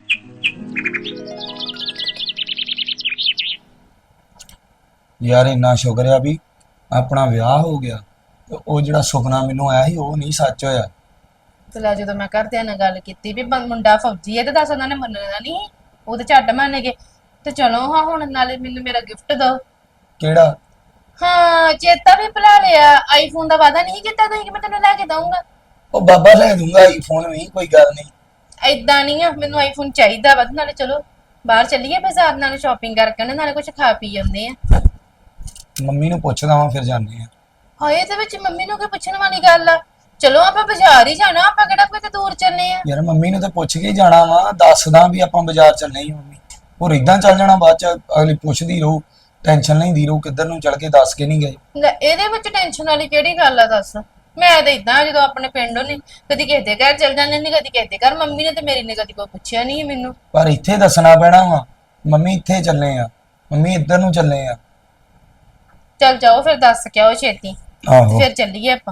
ਯਾਰ ਇੰਨਾ ਸ਼ੁਕਰ ਆ ਵੀ ਆਪਣਾ ਵਿਆਹ ਹੋ ਗਿਆ ਤੇ ਉਹ ਜਿਹੜਾ ਸੁਪਨਾ ਮੈਨੂੰ ਆਇਆ ਸੀ ਉਹ ਨਹੀਂ ਸੱਚ ਹੋਇਆ। ਚਲਾ ਜਦੋਂ ਮੈਂ ਘਰਦਿਆਂ ਨਾਲ ਗੱਲ ਕੀਤੀ ਵੀ ਮੁੰਡਾ ਫੌਜੀ ਹੈ ਤੇ ਦੱਸ ਉਹਨਾਂ ਨੇ ਮੰਨਣਾ ਨਹੀਂ, ਉਹ ਤੇ ਝੱਟ ਮੰਨ ਗਏ। ਤੇ ਚਲੋ ਹਾਂ ਹੁਣ ਨਾਲੇ ਮੈਨੂੰ ਮੇਰਾ ਗਿਫਟ ਦਿਓ। ਕਿਹੜਾ? ਹਾਂ ਚੇਤਾ ਵੀ ਭੁਲਾ ਲਿਆ, ਆਈਫੋਨ ਦਾ ਵਾਅਦਾ ਨਹੀਂ ਕੀਤਾ ਤੁਸੀਂ ਕਿ ਮੈਂ ਤੈਨੂੰ ਲੈ ਕੇ ਦਊਂਗਾ। ਉਹ ਬਾਬਾ ਲੈ ਦੂੰਗਾ ਆਈਫੋਨ ਵੀ, ਕੋਈ ਗੱਲ ਨਹੀਂ। ਏਦਾਂ ਨਹੀਂ ਆ, ਮੈਨੂੰ ਆਈਫੋਨ ਚਾਹੀਦਾ ਵਾ। ਨਾਲੇ ਚਲੋ ਬਾਹਰ ਚੱਲੀਏ ਬਾਜ਼ਾਰ, ਨਾਲੇ ਸ਼ਾਪਿੰਗ ਕਰਕੇ ਆਉਂਦੇ, ਨਾਲੇ ਕੁਝ ਖਾ ਪੀ ਜਾਂਦੇ ਆ। ਮੰਮੀ ਨੂੰ ਪੁੱਛਦਾ ਵਾਂ ਫਿਰ ਜਾਂਦੇ ਆ। ਹਾਏ ਇਹਦੇ ਵਿੱਚ ਮੰਮੀ ਨੂੰ ਕੀ ਪੁੱਛਣ ਵਾਲੀ ਗੱਲ ਆ? ਚਲੋ ਆਪਾਂ ਬਾਜ਼ਾਰ ਹੀ ਜਾਣਾ, ਆਪਾਂ ਕਿਹੜਾ ਕੋਈ ਦੂਰ ਚੱਲੇ ਆ। ਯਾਰ ਮੰਮੀ ਨੂੰ ਤਾਂ ਪੁੱਛ ਕੇ ਹੀ ਜਾਣਾ ਵਾ, ਦੱਸਦਾ ਵੀ ਆਪਾਂ ਬਾਜ਼ਾਰ ਚੱਲੇ ਹੀ ਮੰਮੀ। ਹੋਰ ਇਦਾਂ ਚੱਲ ਜਾਣਾ ਬਾਅਦ ਚ ਅਗਲੀ ਪੁੱਛਦੀ ਰਹੂ, ਟੈਨਸ਼ਨ ਲੈਂਦੀ ਰਹੂ ਕਿੱਧਰ ਨੂੰ ਚੱਲ ਕੇ ਦੱਸ ਕੇ ਨਹੀਂ ਗਏ। ਲੈ ਇਹਦੇ ਵਿੱਚ ਟੈਨਸ਼ਨ ਵਾਲੀ ਕਿਹੜੀ ਗੱਲ ਆ ਦੱਸ? ਮੈਂ ਤਾਂ ਇਦਾਂ ਜਦੋਂ ਆਪਣੇ ਪਿੰਡੋਂ ਨਹੀਂ ਕਦੀ ਕਿਸੇ ਦੇ ਘਰ ਚੱਲ ਜਾਂਦੇ ਨਹੀਂ, ਕਦੀ ਕਿਸੇ ਦੇ ਘਰ। ਮੰਮੀ ਨੇ ਤੇ ਮੇਰੀ ਨੇ ਕਦੀ ਕੋਈ ਪੁੱਛਿਆ ਨਹੀਂ ਮੈਨੂੰ। ਪਰ ਇੱਥੇ ਦੱਸਣਾ ਪੈਣਾ ਵਾ, ਮੰਮੀ ਇੱਥੇ ਚੱਲੇ ਆ, ਮੰਮੀ ਇੱਧਰ ਨੂੰ ਚੱਲੇ ਆ। ਚੱਲ ਜਾਓ ਫਿਰ, ਦੱਸ ਕੇ ਆਓ ਛੇਤੀ, ਆਹੋ ਫਿਰ ਚੱਲੀਏ ਆਪਾਂ।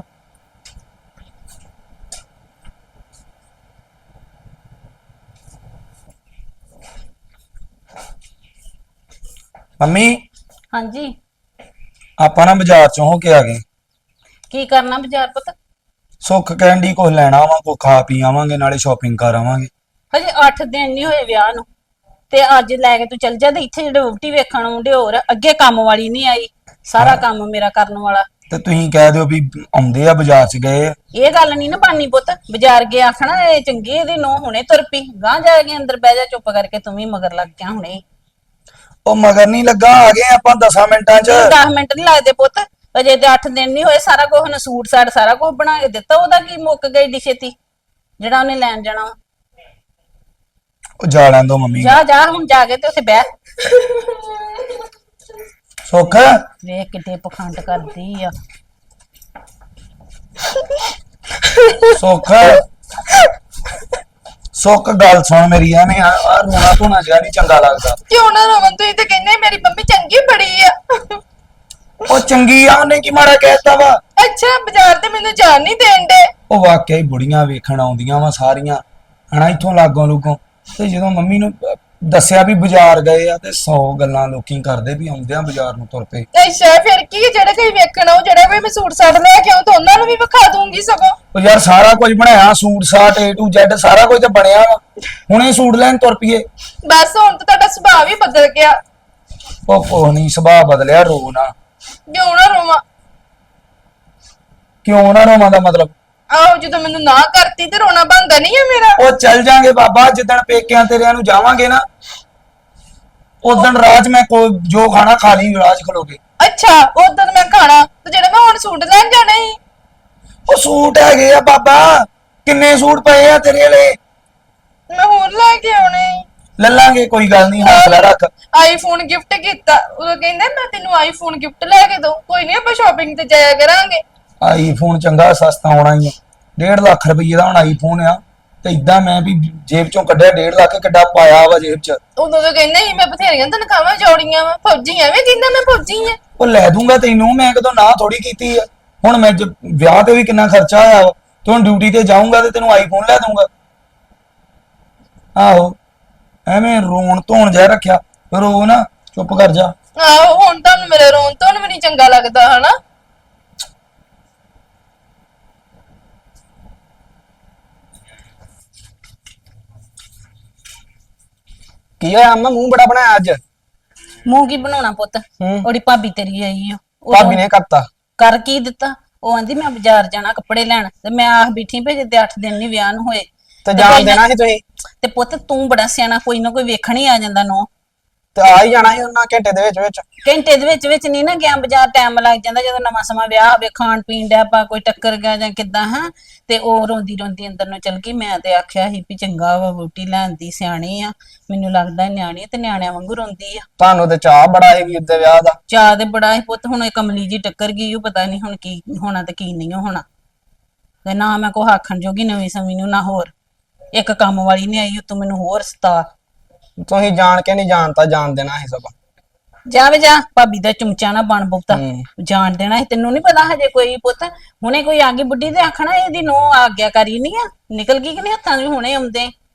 ਮੰਮੀ ਹਾਂਜੀ ਆਪਾਂ ਨਾ ਬਾਜ਼ਾਰ ਚੋਂ ਹੋ ਕੇ ਆ ਗਏ। ਕੀ ਕਰਨਾ ਬਾਜ਼ਾਰ ਪੁੱਤ? ਸੁੱਖ ਕਹਿੰਦੀ ਕੁਝ ਲੈਣਾ ਵਾ, ਕੁਝ ਖਾ ਪੀ ਆਵਾਂਗੇ, ਨਾਲੇ ਸ਼ਾਪਿੰਗ ਕਰ ਆਵਾਂਗੇ। ਹਜੇ 8 ਦਿਨ ਨਹੀਂ ਹੋਏ ਵਿਆਹ ਨੂੰ ਤੇ ਅੱਜ ਲੈ ਕੇ ਤੂੰ ਚੱਲ ਜਾ। ਤੇ ਇੱਥੇ ਜਿਹੜੇ ਵਹੁਟੀ ਵੇਖਣ ਆਉਂਦੇ, ਹੋਰ ਅੱਗੇ ਕੰਮ ਵਾਲੀ ਨਹੀਂ ਆਈ, ਸਾਰਾ ਕੰਮ ਮੇਰਾ ਕਰਨ ਵਾਲਾ। ਤੇ ਤੁਸੀਂ ਕਹਿ ਦਿਓ ਵੀ ਆਉਂਦੇ ਆ ਬਾਜ਼ਾਰ ਚ ਗਏ ਆ। ਇਹ ਗੱਲ ਨਹੀਂ ਨਾ ਬਾਨੀ ਪੁੱਤ, ਬਾਜ਼ਾਰ ਗਿਆ ਆਖਣਾ ਇਹ ਚੰਗੀ, ਇਹਦੀ ਨੋ ਹੁਣੇ ਤੁਰ ਪਈ, ਗਾਂ ਜਾ ਕੇ ਅੰਦਰ ਬਹਿ ਜਾ ਚੁੱਪ ਕਰਕੇ, ਤੂੰ ਵੀ ਮਗਰ ਲੱਗ ਗਿਆ ਹੁਣੇ। ਉਹ ਮਗਰ ਨਹੀਂ ਲੱਗਾ, ਆ ਗਏ ਆਪਾਂ 10 ਮਿੰਟਾਂ ਚ। 10 ਮਿੰਟ ਨਹੀਂ ਲੱਗਦੇ ਪੁੱਤ, ਅਜੇ ਤੇ 8 ਦਿਨ ਨਹੀਂ ਹੋਏ। ਸਾਰਾ ਕੁਝ ਉਹਨੇ ਸੂਟ ਸਾਟ ਸਾਰਾ ਕੁਝ ਬਣਾ ਕੇ ਦਿੱਤਾ, ਉਹਦਾ ਕੀ ਮੁੱਕ ਗਈ ਡੀ ਛੇਤੀ ਜਿਹੜਾ ਉਹਨੇ ਲੈਣ ਜਾਣਾ। ਉਹ ਜਾ ਲੈਣ ਦੋ ਮੰਮੀ। ਜਾ ਜਾ ਹੁਣ ਜਾ ਕੇ ਤੇ ਉੱਥੇ ਬਹਿ। ਸੁੱਖ ਵੇਖ ਕਿੱਡੇ ਪਖੰਡ ਕਰਦੀ ਆ। ਸੁੱਖ ਸੁੱਖ ਗੱਲ ਸੁਣ ਮੇਰੀ, ਐਵੇਂ ਆ ਰੋਣਾ ਧੋਣਾ ਜਿਹਾ ਨਹੀਂ ਚੰਗਾ ਲੱਗਦਾ। ਕਿਉਂ ਨਾ ਰੋਵਨ, ਤੁਸੀਂ ਤੇ ਕਹਿੰਦੇ ਮੇਰੀ ਮੰਮੀ ਚੰਗੀ ਬੜੀ ਆ। ਉਹ ਚੰਗੀ ਆ, ਉਹਨੇ ਕੀ ਮਾੜਾ ਕਹਿਤਾ ਵਾ? ਅੱਛਾ ਬਾਜ਼ਾਰ ਤੇ ਮੈਨੂੰ ਜਾਣ ਨਹੀਂ ਦੇਣ ਦੇ। ਉਹ ਵਾਕਿਆ ਹੀ ਬੁੜੀਆਂ ਵੇਖਣ ਆਉਂਦੀਆਂ ਵਾ ਸਾਰੀਆਂ ਹਨਾ, ਇੱਥੋਂ ਲਾਗੋਂ ਲੁਗੋਂ। ਤੇ ਜਦੋਂ ਮੰਮੀ ਨੂੰ ਦੱਸਿਆ ਵੀ ਬਾਜ਼ਾਰ ਗਏ ਆ ਤੇ 100 ਗੱਲਾਂ ਲੋਕੀ ਕਰਦੇ ਵੀ ਆਉਂਦੇ ਆ ਬਾਜ਼ਾਰ ਨੂੰ ਤੁਰ ਪਏ। ਅੱਛਾ ਫਿਰ ਕੀ, ਜਿਹੜਾ ਕੋਈ ਵੇਖਣ ਆਉ, ਜਿਹੜਾ ਕੋਈ ਮੈਂ ਸੂਟ ਸਾਟ ਲੈ ਕੇ ਆਉਂ ਤਾਂ ਉਹਨਾਂ ਨੂੰ ਵੀ ਵਿਖਾ ਦੂੰਗੀ ਸਗੋਂ। ਉਹ ਯਾਰ ਸਾਰਾ ਕੁਝ ਬਣਾਇਆ, ਸੂਟ ਸਾਟ A to Z ਸਾਰਾ ਕੁਝ ਤਾਂ ਬਣਿਆ ਵਾ, ਹੁਣੇ ਸੂਟ ਲੈਣ ਤੁਰ ਪਈਏ। ਬਸ ਹੁਣ ਤਾਂ ਤੁਹਾਡਾ ਸੁਭਾਅ ਵੀ ਬਦਲ ਗਿਆ। ਉਹ ਕੋਹ ਨਹੀਂ, ਸੁਭਾਅ ਬਦਲਿਆ, ਰੋ ਨਾ। ਕਿਉਂ ਨਾ ਰੋਵਾਂ? ਕਿਉਂ ਨਾ ਰੋਵਾਂ ਦਾ ਮਤਲਬ? ਆਹੋ ਜਦੋਂ ਮੈਨੂੰ ਨਾ ਕਰਤੀ ਤੇ ਰੋਣਾ ਬਣਦਾ ਨਹੀਂ ਹੈ ਮੇਰਾ। ਉਹ ਚੱਲ ਜਾਾਂਗੇ ਬਾਬਾ, ਜਿੱਦਣ ਪੇਕਿਆਂ ਤੇਰਿਆਂ ਨੂੰ ਜਾਵਾਂਗੇ ਨਾ ਉਦਣ ਰਾਜ ਮੈਂ ਜੋ ਖਾਣਾ ਖਾ ਲਈ ਰਾਜ ਖਲੋ ਕੇ। ਅੱਛਾ ਉਦੋਂ ਮੈਂ ਖਾਣਾ ਤੇ ਜਿਹੜਾ ਮੈਂ ਹੁਣ ਸੂਟ ਲੈਣ ਜਾਣਾ ਸੀ। ਉਹ ਸੂਟ ਹੈਗੇ ਆ ਬਾਬਾ, ਕਿੰਨੇ ਸੂਟ ਪਏ ਆ ਤੇਰੇ ਵਾਲੇ, ਮੈਂ ਹੋਰ ਲੈ ਕੇ ਆਉਣੇ ਸੀ। ਲੈ ਲਾਂਗੇ, ਕੋਈ ਗੱਲ ਨਹੀਂ, ਹੌਸਲਾ ਰੱਖ। ਆਈਫੋਨ ਗਿਫਟ ਕੀਤਾ, ਉਹ ਕਹਿੰਦੇ ਮੈਂ ਤੈਨੂੰ ਆਈਫੋਨ ਗਿਫਟ ਲੈ ਕੇ ਦਊਂ, ਕੋਈ ਨਹੀਂ ਆਪਾਂ ਸ਼ਾਪਿੰਗ ਤੇ ਜਾਇਆ ਕਰਾਂਗੇ। ਆਈਫੋਨ ਚੰਗਾ ਸਸਤਾ ਹੋਣਾ ਹੀ ਆ, 1.5 ਲੱਖ ਰੁਪਏ ਦਾ ਹੁਣ ਆਈਫੋਨ ਆ। ਤੇ ਇਦਾਂ ਮੈਂ ਵੀ ਜੇਬ ਚੋਂ ਕੱਢਿਆ 1.5 ਲੱਖ, ਕਿੱਡਾ ਪਾਇਆ ਵਾ ਜੇਬ ਚ। ਉਦੋਂ ਤਾਂ ਕਹਿੰਦੇ ਸੀ ਮੈਂ ਬਥੇਰੀਆਂ ਤਨਖਾਹਾਂ ਜੋੜੀਆਂ ਵਾ, ਫੌਜੀ ਐਵੇਂ ਕਹਿੰਦਾ ਮੈਂ ਫੌਜੀ ਆ। ਉਹ ਲੈ ਦੂੰਗਾ ਤੈਨੂੰ, ਮੈਂ ਕਦੋਂ ਨਾ ਥੋੜੀ ਕੀਤੀ ਆ। ਹੁਣ ਮੈਂ ਵਿਆਹ ਤੇ ਵੀ ਕਿੰਨਾ ਖਰਚਾ ਆਇਆ ਵਾ, ਤੇ ਹੁਣ ਡਿਊਟੀ ਤੇ ਜਾਊਂਗਾ ਤੇ ਤੈਨੂੰ ਆਈਫੋਨ ਲੈ ਦੂੰਗਾ। ਆਹੋ ਐਵੇਂ ਰੋਣ ਧੋਣ ਜਿਹਾ ਰੱਖਿਆ, ਰੋ ਨਾ, ਚੁੱਪ ਕਰ ਜਾ। ਆਹੋ ਹੁਣ ਤੁਹਾਨੂੰ ਮੇਰੇ ਰੋਣ ਤੋਂ ਵੀ ਨਹੀਂ ਚੰਗਾ ਲੱਗਦਾ ਹਨਾ। ਕੀ ਹੋਇਆ ਅੰਮਾ, ਮੂੰਹ ਬੜਾ ਬਣਾਇਆ ਅੱਜ? ਮੂੰਹ ਕੀ ਬਣਾਉਣਾ ਪੁੱਤ, ਉਹਦੀ ਭਾਬੀ ਤੇਰੀ ਆਈ ਆ। ਭਾਬੀ ਨੇ ਕਰਤਾ? ਕਰ ਕੀ ਦਿੱਤਾ? ਉਹ ਆਂਦੀ ਮੈਂ ਬਾਜ਼ਾਰ ਜਾਣਾ ਕੱਪੜੇ ਲੈਣ, ਤੇ ਮੈਂ ਆਖ ਬੈਠੀ ਭੇਜੇ ਤੇ 8 ਦਿਨ ਨਹੀਂ ਵਿਆਹ ਨੂੰ ਹੋਏ। ਤੇ ਜਾਣ ਦੇਣਾ ਸੀ ਤੁਸੀਂ? ਤੇ ਪੁੱਤ ਤੂੰ ਬੜਾ ਸਿਆਣਾ, ਕੋਈ ਨਾ ਕੋਈ ਵੇਖਣ ਹੀ ਆ ਜਾਂਦਾ ਨੋ। ਤੇ ਆ ਹੀ ਜਾਣਾ ਸੀ ਉਹਨਾਂ ਘੰਟੇ ਦੇ ਵਿੱਚ। ਘੰਟੇ ਦੇ ਵਿੱਚ ਨਹੀਂ ਨਾ ਗਿਆ, ਬਾਜ਼ਾਰ ਟਾਈਮ ਲੱਗ ਜਾਂਦਾ। ਜਦੋਂ ਨਵਾਂ ਸਮਾਂ ਵਿਆਹ ਹੋਵੇ, ਖਾਣ ਪੀਣ ਦਾ ਆਪਾਂ ਕੋਈ ਟੱਕਰ ਗਿਆ ਜਾਂ ਕਿੱਦਾਂ ਹਾਂ, ਤੇ ਉਹ ਰੋਂਦੀ ਰੋਂਦੀ ਅੰਦਰ ਨੂੰ ਚਲ ਗਈ। ਮੈਂ ਤੇ ਆਖਿਆ ਸੀ ਵੀ ਚੰਗਾ ਵਾ, ਵਹੁਟੀ ਲੈਂਦੀ, ਸਿਆਣੀ ਆ, ਮੈਨੂੰ ਲੱਗਦਾ ਨਿਆਣੀ ਤੇ ਨਿਆਣਿਆਂ ਵਾਂਗੂ ਰੋਂਦੀ ਆ। ਤੁਹਾਨੂੰ ਤੇ ਚਾਹ ਬੜਾ ਹੈ ਵੀਰ ਦੇ ਵਿਆਹ ਦਾ। ਚਾਹ ਤੇ ਬੜਾ ਸੀ ਪੁੱਤ, ਹੁਣ ਇਹ ਕਮਲੀ ਜੀ ਟੱਕਰ ਗਈ, ਉਹ ਪਤਾ ਨਹੀਂ ਹੁਣ ਕੀ ਹੋਣਾ ਤੇ ਕੀ ਨਹੀਂ ਹੋਣਾ। ਤੇ ਨਾ ਮੈਂ ਕੋ ਆਖਣ ਜੋਗੀ ਨਵੀਂ ਸਮੀ ਨੂੰ, ਨਾ ਹੋਰ ਇੱਕ ਕੰਮ ਵਾਲੀ ਨਹੀਂ ਆਈ ਉਤੋਂ ਮੈਨੂੰ ਹੋਰ ਸਤਾ। ਤੁਸੀਂ ਜਾਣ ਕੇ ਨਹੀਂ ਜਾਣਤਾ, ਜਾਣ ਦੇਣਾ ਸੀ ਸਭ। ਜਾਵੇ ਜਾ, ਭਾਬੀ ਦਾ ਚਮਚਾ ਨਾ ਬਣ ਬਹੁਤਾ, ਜਾਣ ਦੇਣਾ ਸੀ। ਤੈਨੂੰ ਨਹੀਂ ਪਤਾ ਹਜੇ ਕੋਈ ਪੁੱਤ, ਹੁਣੇ ਕੋਈ ਆ ਗਈ ਬੁੱਢੀ ਤੇ ਆਖਣਾ ਇਹਦੀ ਨੋ ਆਗਿਆਕਾਰੀ ਨਹੀਂ ਆ, ਨਿਕਲ ਗਈ ਕਿ ਨਹੀਂ ਹੱਥਾਂ 'ਚ ਹੁਣੇ ਆਉਂਦੇ।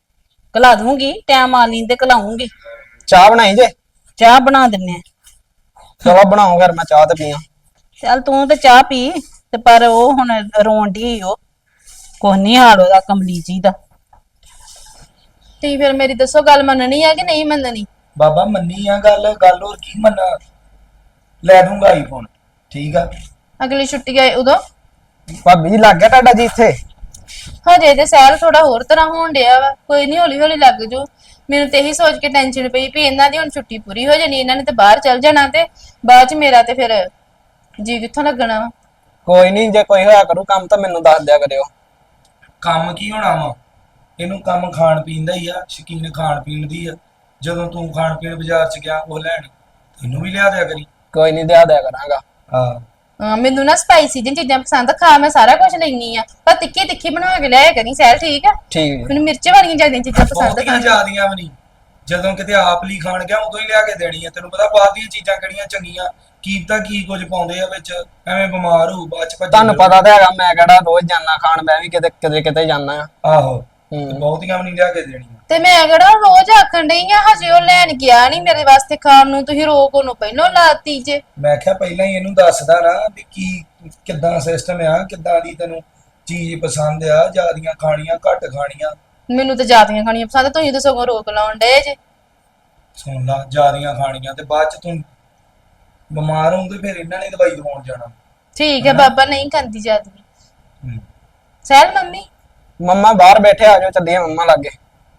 ਕਲਾ ਦੂੰਗੀ, ਟਾਈਮ ਆ ਲੀਂ ਤੇ ਕਲਾਉਂਗੀ। ਚਾਹ ਬਣਾਈ ਜੇ? ਚਾਹ ਬਣਾ ਦਿੰਨੇ ਆ। ਚਲੋ ਬਣਾਓ ਫਿਰ, ਮੈਂ ਚਾਹ ਤੇ ਪੀਆਂ। ਚੱਲ ਤੂੰ ਤੇ ਚਾਹ ਪੀ ਤੇ ਪਰ ਉਹ ਹੁਣ ਰੋਣ ਡਈ ਉਹ ਕੁਛ ਨੀ ਹਾਲ ਉਹਦਾ ਕਮਲੀ ਜੀ ਦਾ। ਤੇ ਫਿਰ ਮੇਰੀ ਦੱਸੋ ਗੱਲ ਮੰਨਣੀ ਆ ਕਿ ਨਹੀਂ ਮੰਨਣੀ? ਬਾਬਾ ਮੰਨੀ ਆ ਗੱਲ, ਗੱਲ ਹੋਰ ਕੀ ਮੰਨਾ। ਲੈ ਦੂੰਗਾ ਆਈਫੋਨ, ਠੀਕ ਆ। ਅਗਲੀ ਛੁੱਟੀ ਆਏ ਉਦੋਂ? ਭਾਬੀ ਜੀ ਲੱਗ ਗਿਆ ਤੁਹਾਡਾ ਜੀ ਇੱਥੇ? ਹਜੇ ਤੇ ਸੈਲ ਥੋੜਾ ਹੋਰ ਤਰ੍ਹਾਂ ਹੋਣ ਡਿਆ ਵਾ, ਕੋਈ ਨਹੀਂ ਹੌਲੀ ਹੌਲੀ ਲੱਗ ਜੂ। ਮੈਨੂੰ ਤੇ ਇਹੀ ਸੋਚ ਕੇ ਟੈਨਸ਼ਨ ਪਈ ਵੀ ਇਹਨਾਂ ਦੀ ਹੁਣ ਛੁੱਟੀ ਪੂਰੀ ਹੋ ਜਾਣੀ, ਇਹਨਾਂ ਨੇ ਤੇ ਬਾਹਰ ਚੱਲ ਜਾਣਾ ਤੇ ਬਾਅਦ ਚ ਮੇਰਾ ਤੇ ਫਿਰ ਜੀ ਕਿੱਥੋਂ ਲੱਗਣਾ ਵਾ। ਕੋਈ ਨਹੀਂ, ਜੇ ਕੋਈ ਹੋਇਆ ਕਰੂ ਕੰਮ ਤਾਂ ਮੈਨੂੰ ਦੱਸ ਦਿਆ ਕਰਿਓ। ਕੰਮ ਕੀ ਹੋਣਾ ਵਾ, ਇਹਨੂੰ ਕੰਮ ਖਾਣ ਪੀਣ ਦਾ ਹੀ ਆ, ਸ਼ੌਕੀਨ ਖਾਣ ਪੀਣ ਦੀ ਆ। ਜਦੋਂ ਤੂੰ ਖਾਣ ਪੀਣ ਬਾਜ਼ਾਰ ਚ ਗਿਆ ਉਹ ਲੈਣ, ਤੈਨੂੰ ਵੀ ਲਿਆ ਦਿਆ ਕਰੀ। ਕੋਈ ਨਹੀਂ, ਦਿਆ ਦਿਆ ਕਰਾਂਗਾ। ਹਾਂ ਮੈਨੂੰ ਨਾ ਸਪਾਈਸੀ ਜਿਹੀਆਂ ਚੀਜ਼ਾਂ ਪਸੰਦ, ਖਾ ਮੈਂ ਸਾਰਾ ਕੁਝ ਲੈਣੀ ਆ, ਪਰ ਤਿੱਖੀ ਤਿੱਖੀ ਬਣਾ ਕੇ ਲਿਆਇਆ ਕਰੀ ਸੈਲ, ਠੀਕ ਆ? ਠੀਕ ਜੀ। ਮੈਨੂੰ ਮਿਰਚ ਵਾਲੀਆਂ ਜ਼ਿਆਦਾ ਚੀਜ਼ਾਂ ਪਸੰਦ ਬਹੁਤੀਆਂ ਖਾਣ। ਜ਼ਿਆਦੀਆਂ ਵੀ ਨਹੀਂ, ਜਦੋਂ ਕਿਤੇ ਆਪ ਲਈ ਖਾਣ ਗਿਆ ਉਦੋਂ ਹੀ ਲਿਆ ਕੇ ਦੇਣੀ ਆ। ਤੈਨੂੰ ਪਤਾ ਬਾਹਰ ਦੀਆਂ ਚੀਜ਼ਾਂ ਕਿਹੜੀਆਂ ਚੰਗੀਆਂ, ਕੀ ਪਤਾ ਕੀ ਕੁਝ ਪਾਉਂਦੇ ਆ ਵਿੱਚ, ਐਵੇਂ ਬਿਮਾਰ ਹੋਊ ਬਾਅਦ ਚ ਭੱਜ ਤੁਹਾਨੂੰ ਪਤਾ ਤਾਂ ਹੈਗਾ, ਮੈਂ ਕਿਹੜਾ ਰੋਜ਼ ਜਾਣਾ ਖਾਣ, ਮੈਂ ਵੀ ਕਿਤੇ ਕਿਤੇ ਕਿਤੇ ਜਾਣਾ ਆ। ਆਹੋ, ਹੂੰ। ਤੇ ਬਹੁਤੀਆਂ ਵੀ ਨਹੀਂ ਲਿਆ ਕੇ ਦੇਣੀਆਂ। ਤੇ ਮੈਂ ਕਿਹੜਾ ਰੋਜ਼ ਆਖਣ ਡਈ ਆ, ਹਜੇ ਉਹ ਲੈਣ ਗਿਆ ਨਹੀਂ ਮੇਰੇ ਵਾਸਤੇ ਖਾਣ ਨੂੰ, ਤੁਸੀਂ ਰੋਕ ਉਹਨੂੰ ਪਹਿਲਾਂ ਲਾਤੀ ਜੇ। ਮੈਂ ਕਿਹਾ ਪਹਿਲਾਂ ਹੀ ਇਹਨੂੰ ਦੱਸਦਾ ਨਾ ਵੀ ਕੀ ਕਿੱਦਾਂ ਸਿਸਟਮ ਆ, ਕਿੱਦਾਂ ਦੀ ਤੈਨੂੰ ਚੀਜ਼ ਪਸੰਦ ਆ, ਜ਼ਿਆਦੀਆਂ ਖਾਣੀਆਂ ਘੱਟ ਖਾਣੀਆਂ। ਮੈਨੂੰ ਤਾਂ ਜ਼ਿਆਦੀਆਂ ਖਾਣੀਆਂ ਪਸੰਦ, ਤੁਸੀਂ ਤਾਂ ਸਗੋਂ ਰੋਕ ਲਾਉਣ ਡਏ ਜੇ। ਸੁਣ ਲਾ, ਜ਼ਿਆਦੀਆਂ ਖਾਣੀਆਂ ਤੇ ਬਾਅਦ ਚ ਤੂੰ ਬਿਮਾਰ ਹੋਊਂਗੇ, ਫਿਰ ਇਹਨਾਂ ਨੇ ਦਵਾਈ ਦਵਾਉਣ ਜਾਣਾ। ਠੀਕ ਹੈ ਬਾਬਾ, ਨਹੀਂ ਖਾਂਦੀ ਜ਼ਿਆਦੀਆਂ। ਹੂੰ। ਸਹਿਲ ਮੰਮੀ ਮੰਮਾ ਬਾਹਰ ਬੈਠੇ, ਆ ਜਾਓ ਚੱਲੀਏ ਮੰਮਾ ਲਾਗੇ।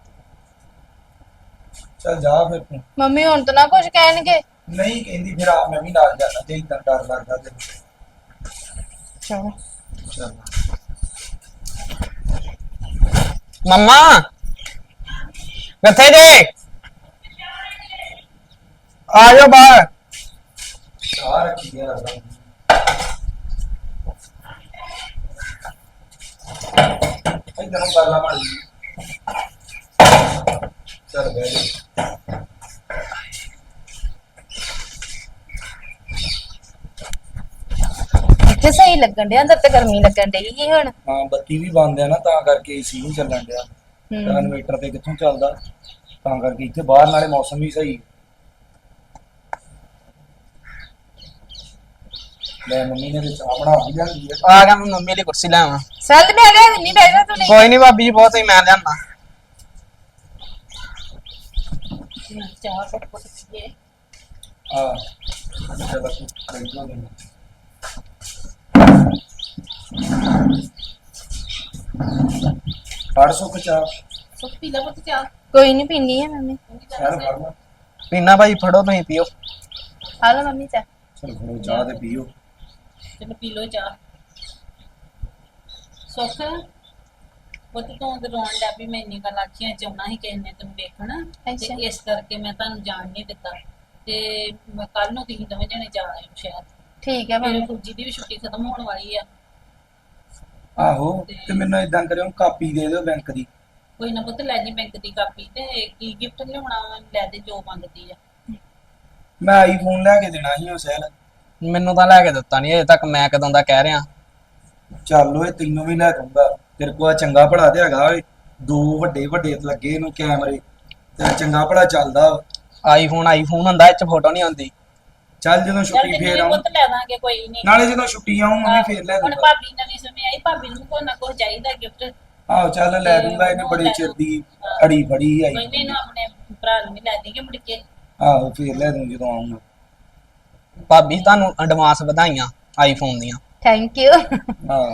ਚੱਲ ਜਾ ਫਿਰ ਤੂੰ। ਮੰਮੀ ਹੁਣ ਤਾਂ ਨਾ ਕੁਝ ਕਹਿਣਗੇ। ਨਹੀਂ ਕਹਿੰਦੀ ਫਿਰ ਆ ਮੈਂ ਵੀ ਨਾਲ ਜਾਣਾ, ਤੇ ਇਦਾਂ ਡਰ ਲੱਗਦਾ ਤੈਨੂੰ। ਚਲੋ ਚੱਲ ਮੰਮਾ ਕਿੱਥੇ ਜੇ? ਆ ਜਾਓ ਬਾਹਰ। ਚਾਹ ਰੱਖੀ ਗਿਆ ਲੱਗਦਾ। ਇਦਾਂ ਗੱਲਾਂ ਮਾਰੀ। ਚੱਲ ਬਹਿ ਜਾ। ਇੱਥੇ ਸਹੀ ਲੱਗਣ ਡਿਆ, ਅੰਦਰ ਤੇ ਗਰਮੀ ਲੱਗਣ ਡਈ ਸੀ ਹੁਣ। ਹਾਂ, ਬੱਤੀ ਵੀ ਬੰਦ ਆ ਨਾ, ਤਾਂ ਕਰਕੇ ਏਸੀ ਨਹੀਂ ਚੱਲਣ ਡਿਆ। ਇਨਵੇਟਰ ਤੇ ਕਿੱਥੋਂ ਚੱਲਦਾ, ਤਾਂ ਕਰਕੇ ਇੱਥੇ ਬਾਹਰ ਨਾਲੇ ਮੌਸਮ ਵੀ ਸਹੀ। ਲੈ ਮੰਮੀ ਨੇ ਤੇ ਚਾਹ ਬਣਾ ਵੀ ਲਿਆਂਦੀ ਆ। ਆ ਗਿਆ, ਮੈਂ ਮੰਮੀ ਲਈ ਕੁਰਸੀ ਲੈ ਆਵਾਂ। ਸੈਲ ਮੈਂ ਲਿਆ ਨਹੀਂ ਬੈਠਾ ਤੂੰ ਨਹੀਂ। ਕੋਈ ਨਹੀਂ ਭਾਬੀ ਜੀ, ਬਹੁਤ ਹੀ ਮੈਂ ਲਿਆਣਾ। ਚਾਹ ਕੁੱਟ ਕੁੱਟ ਪੀਏ। ਆ ਚਲ ਤੂੰ ਬੈਠੋ ਲੈ। ਪੜ ਸੁੱਕ ਚਾਹ। ਸੁੱਕ ਪੀ ਲੈ ਪੁੱਤ ਚਾਹ। ਕੋਈ ਨਹੀਂ ਪੀਣੀ ਹੈ ਮੰਮੀ। ਯਾਰ ਫੜ ਲਾ। ਪੀਣਾ ਭਾਈ, ਫੜੋ ਤੁਸੀਂ ਪੀਓ। ਆ ਲਓ ਮੰਮੀ ਚਾਹ। ਚਲ ਫੜੋ ਚਾਹ ਤੇ ਪੀਓ। ਚਲੋ ਪੀ ਲੋ ਚਾਹ। ਸੁੱਖ ਪੁੱਤ ਤੂੰ ਤੇ ਰੋਣ ਲੱਗ ਪਈ, ਮੈਂ ਇੰਨੀ ਗੱਲ ਆਖੀਆਂ ਚਾਹੁੰਦਾ ਸੀ ਕਿਸੇ ਨੇ ਤੈਨੂੰ ਵੇਖਣ, ਅੱਛਾ। ਤੇ ਇਸ ਕਰਕੇ ਮੈਂ ਤੁਹਾਨੂੰ ਜਾਣ ਨਹੀਂ ਦਿੱਤਾ। ਤੇ ਮੈਂ ਕੱਲ ਨੂੰ ਤੁਸੀਂ ਦੋਵੇਂ ਜਣੇ ਜਾ ਆਇਓ ਸ਼ਹਿਰ। ਠੀਕ ਹੈ ਮੇਰੇ ਮੰਮੀ। ਫੁੱਜੀ ਦੀ ਵੀ ਛੁੱਟੀ ਖਤਮ ਹੋਣ ਵਾਲੀ ਆ। ਆਹੋ, ਤੇ ਮੈਨੂੰ ਇਦਾਂ ਕਰਿਓ, ਕਾਪੀ ਦੇ ਦਿਓ ਬੈਂਕ ਦੀ। ਕੋਈ ਨਾ ਪੁੱਤ ਲੈ ਜੀ ਬੈਂਕ ਦੀ ਕਾਪੀ, ਤੇ ਕੀ ਗਿਫਟ ਲਿਆਉਣਾ ਲੈ ਦੇ ਜੋ ਮੰਗਦੀ ਆ। ਮੈਂ ਆਈਫੋਨ ਲੈ ਕੇ ਦੇਣਾ ਸੀ ਉਹ ਸਹਿਲ। ਮੈਨੂੰ ਤਾਂ ਲੈ ਕੇ ਦਿੱਤਾ ਨਹੀਂ ਅਜੇ ਤੱਕ, ਮੈਂ ਕਦੋਂ ਦਾ ਕਹਿ ਰਿਹਾ। ਚੱਲ ਓਏ ਤੈਨੂੰ ਵੀ ਲੈ ਦੂੰਗਾ, ਤੇਰੇ ਕੋਲ ਚੰਗਾ ਭਲਾ ਤੇ ਹੈਗਾ ਓਏ। 2 ਵੱਡੇ ਵੱਡੇ ਲੱਗੇ ਇਹਨੂੰ ਕੈਮਰੇ, ਤੇ ਚੰਗਾ ਭਲਾ ਚੱਲਦਾ ਵਾ। ਆਈਫੋਨ ਹੁੰਦਾ, ਇਹ ਚ ਫੋਟੋ ਨਹੀਂ ਆਉਂਦੀ। ਚੱਲ ਜਦੋਂ ਚੱਲ ਛੁੱਟੀ ਤੈਨੂੰ ਫੇਰ ਵੀ ਆਉਂ, ਪੁੱਤ ਲੈ ਦਾਂਗੇ, ਕੋਈ ਨਹੀਂ। ਨਾਲੇ ਜਦੋਂ ਛੁੱਟੀ ਆਉਂ ਮੰਮੀ ਫੇਰ ਲੈ ਹੁਣ ਦੂੰਗਾ। ਭਾਬੀ ਨਵੀਂ ਸਮੇਂ ਆਈ, ਭਾਬੀ ਨੂੰ ਕੋਈ ਨਾ ਕੋਈ ਚਾਹੀਦਾ ਗਿਫਟ। ਆਹੋ ਚੱਲ ਲੈ ਦੂੰਗਾ, ਇਹਨੇ ਬੜੇ ਚਿਰ ਦੀ ਅੜੀ ਫੜੀ ਆਈ। ਕੋਈ ਨਹੀਂ, ਆਪਣੇ ਭਰਾ ਨੂੰ ਵੀ ਲੈ ਦੇਂਗੇ ਮੁੜ ਕੇ। ਆਹੋ ਫੇਰ ਲੈ ਦੂੰ ਜਦੋਂ ਆਉਂਗਾ। ਭਾਬੀ ਤੁਹਾਨੂੰ ਐਡਵਾਂਸ ਵਧਾਈਆਂ ਆਈਫੋਨ ਦੀਆਂ। Thank you. ਹਾਂ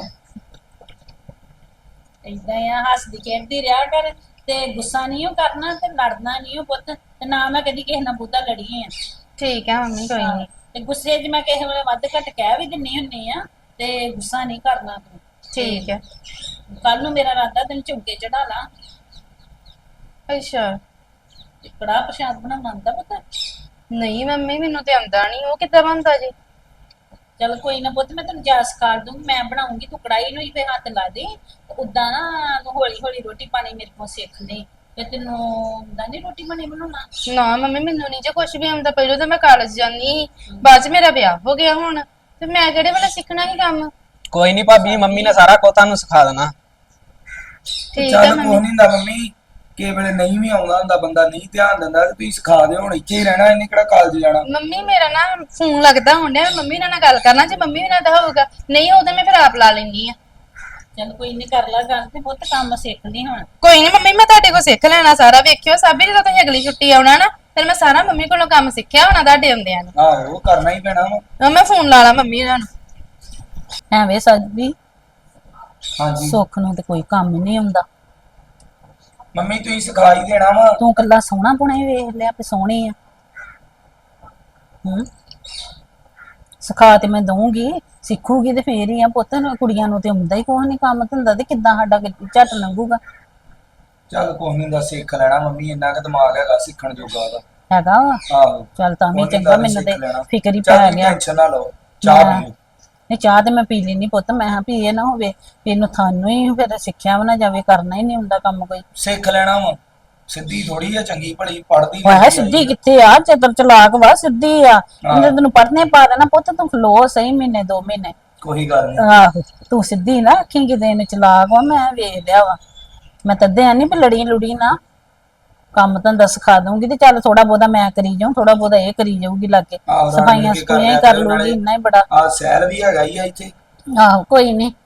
ਏਦਾਂ ਆ, ਹੱਸਦੀ ਖੇਡਦੀ ਰਿਹਾ ਕਰ, ਤੇ ਗੁੱਸਾ ਨਹੀਂ ਕਰਨਾ, ਤੇ ਲੜਨਾ ਨਹੀਂ ਪੁੱਤ, ਤੇ ਨਾ ਮੈਂ ਕਦੀ ਕਿਸੇ ਨਾਲ ਬੁੱਧਾ ਲੜੀ ਆ। ਠੀਕ ਹੈ ਮੰਮੀ, ਕੋਈ ਨਹੀਂ। ਤੇ ਗੁੱਸੇ 'ਚ ਮੈਂ ਕਿਸੇ ਵੇਲੇ ਵੱਧ ਘੱਟ ਕਹਿ ਵੀ ਦਿੰਨੀ ਹੁੰਨੀ ਆ, ਤੇ ਗੁੱਸਾ ਨਹੀਂ ਕਰਨਾ ਤੂੰ। ਠੀਕ ਹੈ। ਕੱਲ ਨੂੰ ਮੇਰਾ ਰਾਦਾ ਤੈਨੂੰ ਝੁਮਕੇ ਚੜਾ ਲਾਂ। ਅੱਛਾ। ਤੇ ਕੜਾਹ ਪ੍ਰਸ਼ਾਦ ਬਣਾਉਣਾ ਆਉਂਦਾ ਪੁੱਤ? ਨਹੀਂ ਮੰਮੀ, ਮੈਨੂੰ ਤੇ ਆਉਂਦਾ ਨਹੀਂ, ਉਹ ਕਿੱਦਾਂ ਬਣਦਾ ਜੀ? ਚਲ ਕੋਈ ਨਾ ਪੁੱਤ, ਮੈਂ ਤੈਨੂੰ ਜਾ ਸਿਖਾ ਦੂੰਗੀ, ਮੈਂ ਬਣਾਉਂਗੀ, ਤੂੰ ਕੜਾਈ ਨੂੰ ਹੀ ਤੇ ਹੱਥ ਲਾ ਦੇ। ਉਦਾਂ ਨਾ ਤੂੰ ਹੌਲੀ ਹੌਲੀ ਰੋਟੀ ਪਾਣੀ ਮੇਰੇ ਕੋਲ ਸਿੱਖ ਲਈ, ਤੇ ਤੈਨੂੰ ਆਉਂਦਾ ਨਹੀਂ ਰੋਟੀ ਪਾਣੀ ਬਣਾਉਣਾ? ਨਾ ਮੰਮੀ, ਮੈਨੂੰ ਨਹੀਂ ਜੇ ਕੁਝ ਵੀ ਆਉਂਦਾ। ਪਹਿਲਾਂ ਤਾਂ ਮੈਂ ਕਾਲਜ ਜਾਂਦੀ ਸੀ, ਬਾਅਦ ਚ ਮੇਰਾ ਵਿਆਹ ਹੋ ਗਿਆ ਹੁਣ, ਤੇ ਮੈਂ ਕਿਹੜੇ ਵੇਲੇ ਸਿੱਖਣਾ ਸੀ ਕੰਮ? ਕੋਈ ਨਹੀਂ ਭਾਬੀ, ਮੰਮੀ ਨੇ ਸਾਰਾ ਕੁਝ ਤੁਹਾਨੂੰ ਸਿਖਾ ਦੇਣਾ। ਠੀਕ ਹੈ ਚੱਲ ਕੁਛ ਮੰਮੀ। ਨਹੀਂ ਹੁੰਦਾ ਮੰਮੀ, ਕਿਸੇ ਵੇਲੇ ਨਹੀਂ ਵੀ ਆਉਂਦਾ ਹੁੰਦਾ, ਬੰਦਾ ਨਹੀਂ ਧਿਆਨ ਦਿੰਦਾ, ਤੇ ਤੁਸੀਂ ਸਿਖਾ ਦਿਓ। ਹੁਣ ਇੱਥੇ ਹੀ ਰਹਿਣਾ, ਇਹਨੇ ਕਿਹੜਾ ਕਾਲਜ ਜਾਣਾ। ਮੰਮੀ ਮੇਰਾ ਨਾ ਫੋਨ ਲੱਗਦਾ ਹੁੰਦਿਆ, ਮੰਮੀ ਨਾਲ ਗੱਲ ਕਰਨਾ, ਜੇ ਮੰਮੀ ਨਾਲ ਦਾ ਹੋਊਗਾ, ਨਹੀਂ ਹੋਊ ਤਾਂ ਮੈਂ ਫਿਰ ਆਪ ਲਾ ਲੈਂਦੀ ਆ। ਚੱਲ ਕੋਈ ਨਹੀਂ, ਕਰ ਲਾ ਗੱਲ ਤੇ ਪੁੱਤ ਕੰਮ ਸਿੱਖ ਲਈ ਹੁਣ। ਕੋਈ ਨਹੀਂ ਮੰਮੀ, ਮੈਂ ਤੁਹਾਡੇ ਕੋਲ ਸਿੱਖ ਲੈਣਾ ਸਾਰਾ। ਵੇਖਿਓ ਸਾਬੀ, ਜਦੋਂ ਤੁਸੀਂ ਅਗਲੀ ਛੁੱਟੀ ਆਉਣਾ ਨਾ, ਫਿਰ ਮੈਂ ਸਾਰਾ ਮੰਮੀ ਕੋਲੋਂ ਕੰਮ ਸਿੱਖਿਆ ਹੋਣਾ ਤੁਹਾਡੇ ਆਉਂਦਿਆਂ ਨੂੰ। ਆਹੋ ਕਰਨਾ ਹੀ ਪੈਣਾ ਵਾ। ਮੈਂ ਫੋਨ ਲਾ ਲਾ ਮੰਮੀ ਉਹਨਾਂ ਨੂੰ। ਐਵੇਂ ਸਾਬੀ, ਹਾਂਜੀ ਸੁੱਖ ਨੂੰ ਤੇ ਕੋਈ ਕੰਮ ਨਹੀਂ ਆਉਂਦਾ। ਮੰਮੀ ਤੁਸੀਂ ਸਿਖਾ ਹੀ ਦੇਣਾ ਵਾ। ਤੂੰ ਕੱਲਾ ਸੋਹਣਾ ਪੁਣਾ ਹੀ ਵੇਖ ਲਿਆ ਵੀ ਸੋਹਣੀ ਆ। ਸਿਖਾ ਤੇ ਮੈਂ ਦਊਂਗੀ, ਸਿੱਖੂਗੀ ਤੇ ਫੇਰ ਹੀ ਆ ਪੁੱਤ। ਕੁੜੀਆਂ ਨੂੰ ਤੇ ਆਉਂਦਾ ਹੀ ਕੁਛ ਨਹੀਂ ਕੰਮ ਧੰਦਾ, ਤੇ ਕਿੱਦਾਂ ਸਾਡਾ ਝੱਟ ਲੰਘੂਗਾ। ਚੱਲ ਕੁਛ ਨੀ ਹੁੰਦਾ, ਸਿੱਖ ਲੈਣਾ ਮੰਮੀ, ਇੰਨਾ ਕੁ ਦਿਮਾਗ ਹੈਗਾ ਸਿੱਖਣ ਜੋਗਾ ਉਹਦਾ। ਹੈਗਾ ਵਾ। ਆਹੋ ਚੱਲ ਤਾਂ ਵੀ ਕੁਛ ਨੀ ਚੰਗਾ, ਹੁੰਦਾ, ਮੈਨੂੰ ਤੇ ਸਿੱਖ ਲੈਣਾ। ਫਿਕਰ ਹੀ ਚੱਲ ਪੈ ਤੁਸੀਂ ਗਿਆ। ਟੈਨਸ਼ਨ ਨਾ ਲਓ, ਚਾਹ ਪੀਓ। ਨਹੀਂ ਚਾਹ ਤੇ ਮੈਂ ਪੀ ਲੈਣੀ ਪੁੱਤ, ਮੈਂ ਕਿਹਾ ਵੀ ਇਹ ਨਾ ਹੋਵੇ ਵੀ ਇਹਨੂੰ ਥਾਨੂੰ ਹੀ ਫਿਰ ਸਿੱਖਿਆ ਵੀ ਨਾ ਜਾਵੇ, ਕਰਨਾ ਹੀ ਨਹੀਂ ਹੁੰਦਾ ਕੰਮ ਕੋਈ। ਸਿੱਖ ਲੈਣਾ ਵਾ, ਸਿੱਧੀ ਥੋੜੀ ਆ, ਚੰਗੀ ਭਲੀ ਪੜਦੀ ਵਾਹ ਸਿੱਧੀ ਕਿੱਥੇ ਆ, ਚਤਰ ਚਲਾਕ ਵਾ, ਸਿੱਧੀ ਆ। ਇਹਨੇ ਤੈਨੂੰ ਪੜਨੇ ਪਾ ਦੇਣਾ ਪੁੱਤ, ਤੂੰ ਖਲੋ ਸਹੀ ਮਹੀਨੇ 2 ਮਹੀਨੇ। ਕੋਈ ਗੱਲ ਨੀ। ਆਹੋ ਤੂੰ ਸਿੱਧੀ ਨਾ ਆਖੀ ਕਿਤੇ ਇਹਨੂੰ ਚਲਾਕ ਵਾ, ਮੈਂ ਵੇਖ ਲਿਆ ਵਾ। ਮੈਂ ਤੱਦੇ ਆ ਨਹੀਂ ਵੀ ਲੜੀ ਲੁੜੀ ਨਾ, ਕੰਮ ਧੰਦਾ ਸਿਖਾ ਦਊਂਗੀ ਤੇ ਚੱਲ ਥੋੜਾ ਬਹੁਤਾ ਮੈਂ ਕਰੀ ਜਾਊਂ, ਥੋੜਾ ਬਹੁਤਾ ਇਹ ਕਰੀ ਜਾਊਗੀ ਲਾਗੇ। ਆਹੋ, ਰਲ ਮਿਲ ਸਫਾਈਆਂ ਕੇ ਕਰ ਸਫੂਈਆਂ ਹੀ ਲਿਆ ਕਰ ਕਰੋ ਲੂਗੀ, ਨਾਲੇ। ਇੰਨਾ ਹੀ ਬੜਾ। ਆਹ ਸੈਲ ਵੀ ਹੈਗਾ ਹੀ ਆ ਇੱਥੇ। ਆਹੋ ਕੋਈ ਨਹੀਂ,